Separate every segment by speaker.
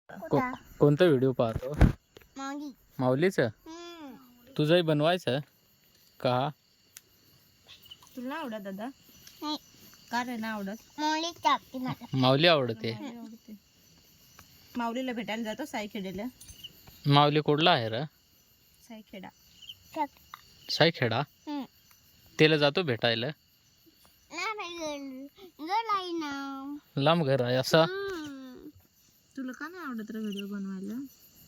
Speaker 1: कुठं?
Speaker 2: कोणता व्हिडिओ पाहतो?
Speaker 1: माऊली.
Speaker 2: माऊलीचं? तुझंही बनवायचं का?
Speaker 3: तुला नाही आवडत दादा?
Speaker 1: नाही.
Speaker 3: का रे नाही आवडत?
Speaker 1: माऊली चापती मला.
Speaker 2: माऊली आवडते.
Speaker 3: माऊली आवडते. माऊलीला भेटायला जातो साईखेड्याला.
Speaker 2: माऊली कुठला आहे रे?
Speaker 3: साईखेडा.
Speaker 2: साईखेडा?
Speaker 1: हम्म.
Speaker 2: त्याला जातो भेटायला?
Speaker 1: नाही गलाई ना.
Speaker 2: लांब घर आहे असा?
Speaker 3: तुला का नाही आवडत रे व्हिडिओ बनवायला?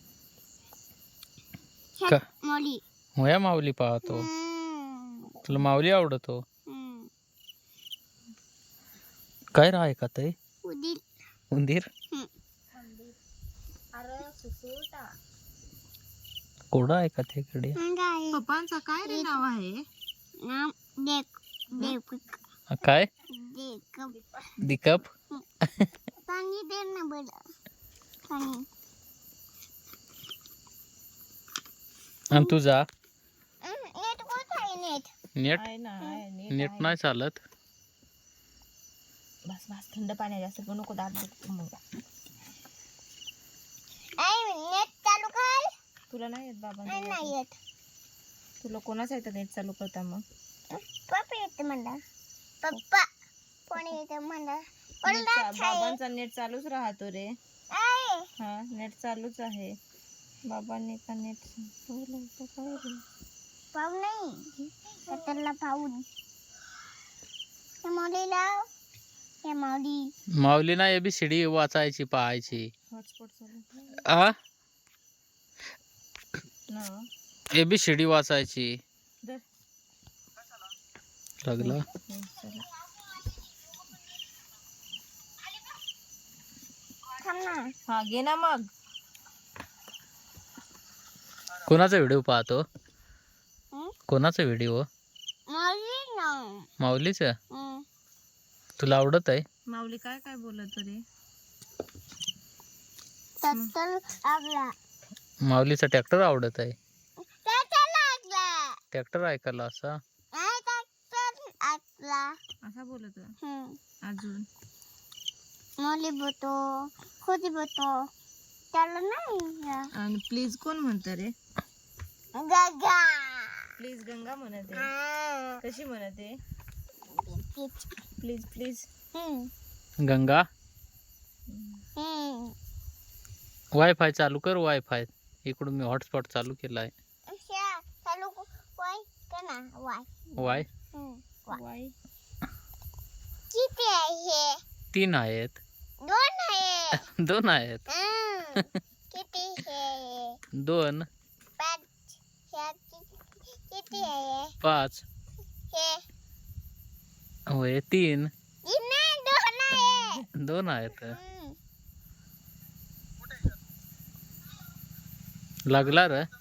Speaker 2: का?
Speaker 1: माऊली.
Speaker 2: होया माऊली पाहतो. तुला माऊली आवडतो? काय राह का ते? उंदीर?
Speaker 3: अरे सुसूटा.
Speaker 2: कोडा आहे का त्याकडे?
Speaker 3: पप्पांचा काय रे नाव आहे?
Speaker 1: नाम देक
Speaker 2: काय? दिकप?
Speaker 1: पाणी दे ना बरं. पाणी.
Speaker 2: आणि तुझा?
Speaker 1: नेट कोण आहे नेट?
Speaker 2: नेट?
Speaker 3: आहे ना, आहे,
Speaker 2: नेट
Speaker 3: आहे.
Speaker 2: नाही चालत.
Speaker 3: बस बस थंड पाणी जास्त करू नको दात दुखतो मग.
Speaker 1: नेट चालू कर.
Speaker 3: तुला नाही येत बाबा?
Speaker 1: नाही येत.
Speaker 3: तुला कोणाच येतं नेट चालू करता मग?
Speaker 1: पप्पा येते म्हणला. पप्पा कोणी येते म्हणला.
Speaker 3: बाबांचा नेट चालूच राहतो रे. हा नेट चालूच आहे. बाबांनी का नेट काय रे?
Speaker 1: पाहू नाही त्याला पाहून माऊली लाव. हे माऊली.
Speaker 2: माऊली ना ABCD वाचायची पाहायची.
Speaker 3: हॉटस्पॉट चालू
Speaker 2: आ?
Speaker 3: ना.
Speaker 2: ABCD वाचायची.
Speaker 3: दर.
Speaker 2: लागला?
Speaker 3: चला.
Speaker 1: थांब ना.
Speaker 3: हा घे ना मग.
Speaker 2: कोणाचा व्हिडिओ पाहतो?
Speaker 1: हं?
Speaker 2: कोणाचा व्हिडिओ?
Speaker 1: माऊली ना.
Speaker 2: माऊलीचं? तुला आवडत आहे?
Speaker 3: माऊली काय काय बोलत रे?
Speaker 1: तर लागला.
Speaker 2: माऊलीचा ट्रॅक्टर आवडत आहे.
Speaker 1: लागला.
Speaker 2: ट्रॅक्टर ऐकायला असा?
Speaker 1: लागला.
Speaker 3: असा बोलत अजून
Speaker 1: माऊली बोलतो. खुदी बोलतो. त्याला नाही.
Speaker 3: आणि प्लीज कोण म्हणत रे?
Speaker 1: गगा.
Speaker 3: प्लीज गंगा म्हणते. कशी म्हणते? Please please.
Speaker 2: गंगा? वायफाय चालू कर. वायफाय इकडून मी हॉटस्पॉट चालू केला आहे. वाय?
Speaker 3: वाय
Speaker 1: किती आहे?
Speaker 2: 3 आहेत.
Speaker 1: 2 आहे.
Speaker 2: 2 आहेत.
Speaker 1: किती आहे?
Speaker 2: 2.
Speaker 1: 5. किती आहे?
Speaker 2: 5.
Speaker 1: हे
Speaker 2: होय 3.
Speaker 1: 2 आहे.
Speaker 2: 2 आहेत. लागला रे?